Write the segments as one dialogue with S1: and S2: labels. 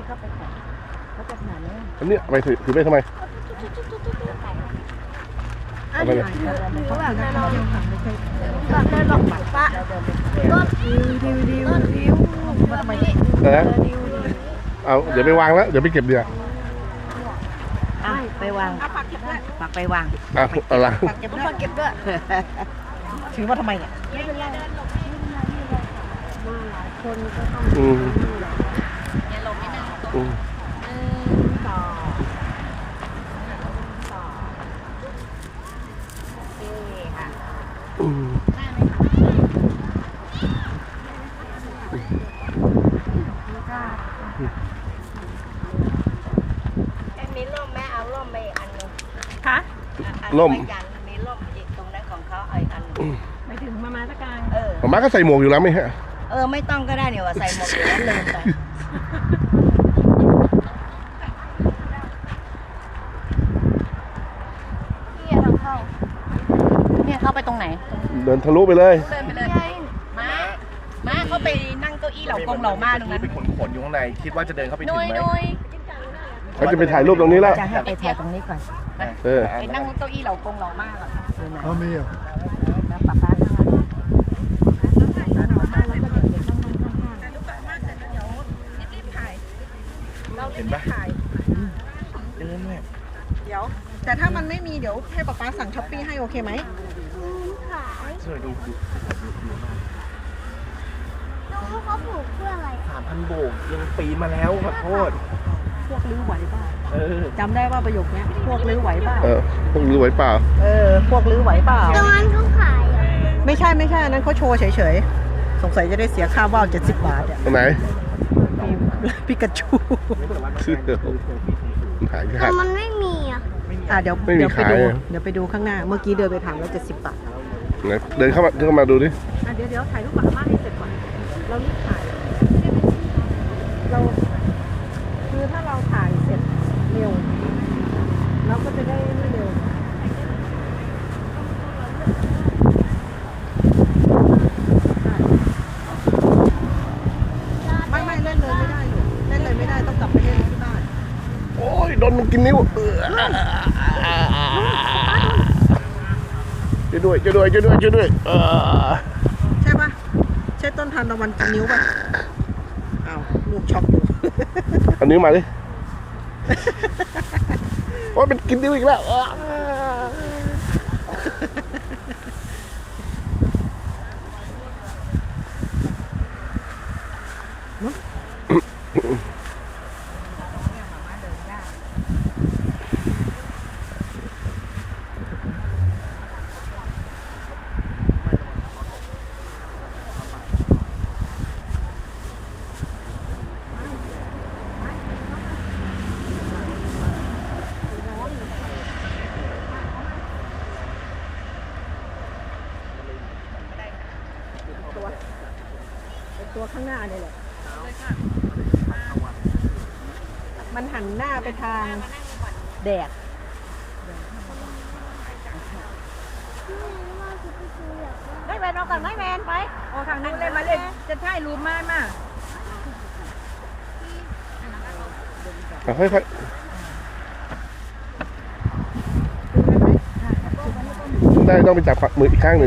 S1: เขาไปก่อนเขาจะขนาดนี้
S2: อันนี้ไปถือไปทำไม
S1: อันนี้เขาแบบนั้นเราไม่ใช่แบบนั้นหรอกปะต้นดิวมาทำไม
S2: เอาเดี๋ยวไปวางแล้วเดี๋ยวไปเก็บเดี๋ยว
S1: ไปวางปักไปวาง
S2: เอาละ
S1: ปักเก็บด้วยถือว่าทำไมเนี่ยไม่เป็นไรมาหลายคนก็ต้องอย่าลงไม่นั่งต่อค่ะมีร่มแม่เอาร่มไปอันนึง
S3: ค่ะ
S2: ร่ม
S1: มีร่มอีกตรงนั้นของเขาอีกอันนึง
S3: ไม่ถึงมาตะการ
S2: มาก็ใส่หมวกอยู่แล้วไหมฮะ
S1: ไม่ต้องก็ได้เนี่ยว่าใส่หมวกอยู่แล้วลืมไปนี่ทางเข้าเนี่ยเข้าไปตรงไหน
S2: เดินทะลุไปเลย
S3: เดินไปเลยมาเขาไปนั่งเก้าอี้เหล่ากงเหล่ามาตรงนั้น
S4: ไปขนอยู่ข้างในคิดว่าจะเดินเข้าไปถึงไหม
S2: เขาจะไปถ่ายรูปตรงนี้แล้ว
S1: จะให้ไปถ่ายตรงนี้ก่อน
S3: ไปนั่งเก้าอี้เหล่ากงเหล่ามาก่อน
S2: เขามีอ่ะ
S1: แล้วป้าป้า
S4: เห็นปะเดินเนี่ย
S3: เดี๋ยวแต่ถ้ามันไม่มีเดี๋ยวให้ป๊าสั่งช้อปปี้ให้โอเคไหม
S4: ช่วยดู
S5: เขาปลูกเพื่ออะไร
S4: 3,000 โบกยังปีนมาแล้วขอโทษ
S3: พวกลื้อไหวเปล่าจำได้ว่าประโยคนี้พวกลื้อไหวเปล่า
S2: พวกลื้อไหวเปล่า
S3: พวกลื้อไหวเปล่า
S5: ตรงนั้นเขาขาย
S3: ไม่ใช่อันนั้นเขาโชว์เฉยๆสงสัยจะได้เสียค่าว่าว70 บาทอ่ะ
S2: ตรงไหน
S3: ปิกาจู
S5: แต่มันไม่มี
S3: เดี๋ยวไปดูข้างหน้าเมื่อกี้เดินไปถามแล้ว70 บาท
S2: เดินเข้ามาดูดิ
S3: เดี๋ยวถ่ายรูปกับอาม่าให้เสร็จก่อนเรารีบถ่ายเราคือถ้าเราถ่ายเสร็จเร็วเราก็จะได้ไม่เร็วไม่เล่นเลยไม่ได้หนูเล่นเลยไม่ได้ต้องกลับไปเล่นที่บ้าน
S2: โอ้ยโดนกินนิ้วช่วยด้วย
S3: ใช่ปะใช่ต้นทานตะวันกินนิ้วปะลูกช็อกอยู่
S2: เอานิ้วมาดิโอ้ยเป็นกินนิ้วอีกแล้ว
S3: ตัวข้างหน้าเนี่ยแหละมันหันหน้าไปทางแดดไม่แมนเอาก่อนไม่แมนไปทางนู้นเลยมาเล่นจะถ่ายรูปมา
S2: ค่อยได้ต้องไปจับมืออีกข้างหนึ่ง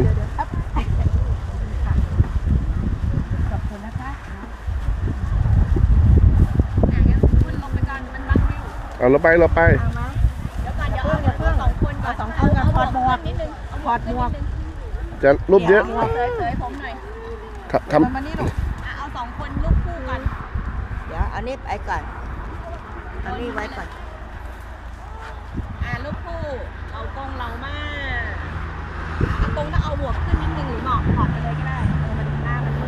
S2: เราไป
S3: เดี๋ยวเอา2 คนก่อนถอดหมวก
S2: จะรูปเยอะ
S3: เสยผมหน่อย
S2: ทำ
S3: มานี่ลูกเอา2 คนรูปคู่กัน
S1: เดี๋ยวเอานี้ไปก่อนเอานี้ไว้ก่อน
S3: รูปคู่เรากงเรามากกงถ้าเอาหมวกขึ้นนิดนึงหรือหมอกถอดไปเลยก็ได้มาดูหน้ามัน1 2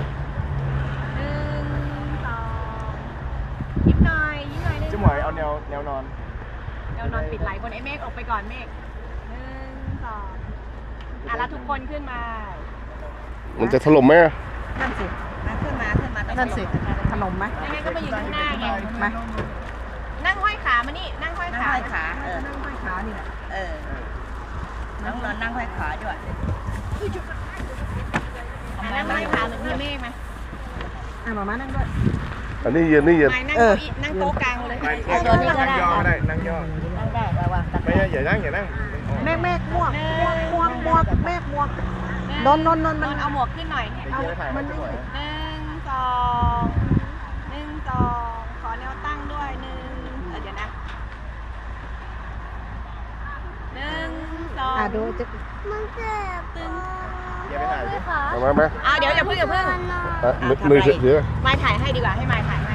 S3: ยิ้มหน่อยนึง
S4: จะหมวยเอาแนวนอน
S3: ปิดไหล่บนไอ้เมฆออกไปก่อนเมฆ1 2แล้วทุกคนขึ้นมา
S2: มันจะถล่มไหม
S1: นั่นสิขึ้นมา
S3: นั่นสิถล่มไหมยังไงก็มาอยู่ข้างหน้าไงมานั่งห้อยขามานี่นั่งห้อยขานั่งห้อยขานี่แหละ
S1: น้องนอนนั่งห้อยขาด้วย
S3: นั่งห้อยขาเหมือนพี่เมฆไหมมาม่านั่งด้วย
S2: อันนี้เย็นนี่เย็น
S1: ไม่นั่งเก้าอี้นั่งโต๊ะกลางเลย
S4: นั่ง
S1: ตัวนี้ก็ได้
S4: ย่อก็ได้นั่งย่อ
S1: นั่งได้ระวังตะ
S4: ไม่ใช่อย่านั่งอย่านั่ง
S3: แม่ม่วงม่วงแม่ม่วงนนมัน
S1: เอาหมวกขึ้นหน่อย
S3: เอามันไม่
S1: ขอแนวตั้งด้วยเดี๋ยวนะ1 2
S3: ดูจะ
S5: มันเจ็บ
S4: อย่าไปถ่าย
S5: พี่คะ
S2: เอามา
S1: เดี๋ยวอย่าเพิ่ง
S2: มือเสือ
S1: ไม่ถ่ายให้ดีกว่าให้ไม่ถ่ายให้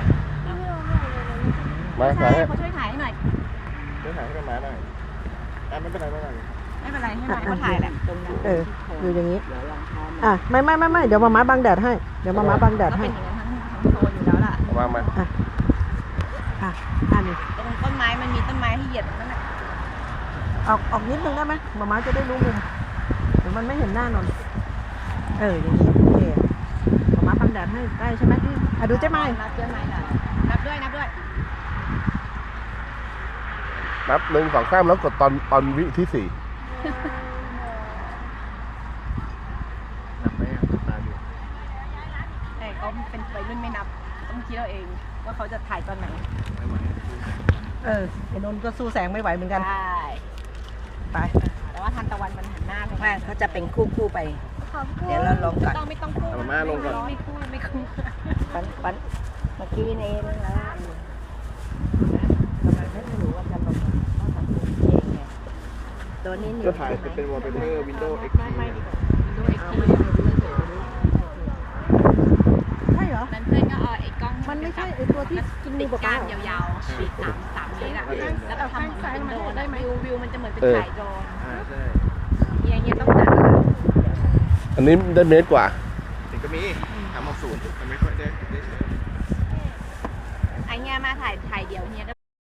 S2: มาถ่ายให้
S1: เขาช่วยถ่ายให้หน่อย
S4: เดี๋ยวถ่ายให้กันมาหน่อยไม่เป็นไรไม่เป็นไร
S1: ไม่เป็นไรให้ไม่เขาถ่ายแหละ
S3: อยู่อย่างนี้ไม่เดี๋ยวมาม้าบังแดดให้เดี๋ยวมาม้าบังแดด
S1: ก็
S3: ให้
S1: เป็นอย่างนั้นทั้งโซนอยู่แล้วล่ะ
S2: มา
S3: นี่
S1: ตรงต้นไม้มันมีต้นไม้ให้เหยียบนั่นแหละ
S3: ออกนิดนึงได้ไหมมาม้าจะได้รู้มุมเดี๋ยวมันไม่เห็นหน้านนอย่างนี้โอเคมาม้าบังแดดให้ได้ใช่ไหมดูเจ๊ไม้
S1: นับเจ๊ไม้หน่อยนับด้วย
S2: นับ1 2 3แล้วกดตอนวิที่ 4
S4: นับไปตาอยู่
S1: แต่เขาเป็นวัยรุ่นไม่นับต้องคิดเอาเองว่าเขาจะถ่ายตอนไหน
S3: ไอ้นนท์ก็สู้แสงไม่ไหวเหมือนกัน
S1: ใช่
S3: ไป
S1: แต่ว่าทันตะวันมันหันหน้าไป
S3: ไม่เขาจะเป็นคู่ไป
S5: ขอบคุณ
S3: เดี๋ยวเราลองก่อน
S1: ไม่ต้องคู่
S4: เอามาลงก่อน
S1: ไม่คู่
S3: ปันเมื่อกี้นี่เองแล้วทำไมไม่รู้ว่าจะลงต้องทำเองไงตัวนี้
S4: ก็ถ่ายเป็นวอลเปเปอร์ Windows XP
S3: ใช่เหรอ
S1: นั้นเพื่อนก็เอาไอ้กล้อง
S3: มันไม่ใช่ไอ้ตัวที่กิน
S1: ติ
S3: มื
S1: ด
S3: อเป
S1: ก้า
S3: ล่าน
S1: ยาวๆติด3 เมตรอะแล้วก็ทำเหมือนเป็นโดรนได้ไหมวิวมันจะเหมือนเป็นถ่ายโดรน
S4: ใช่
S1: เงี้ยต้องตัด
S2: อันนี้ได้เมตรกว่า
S4: ถึงก็มีทำเอาสูตรแต่ไม่ค่อยได้ใช้
S1: ไอ้เงี้ยมาถ่ายเดียวเงี้ยก็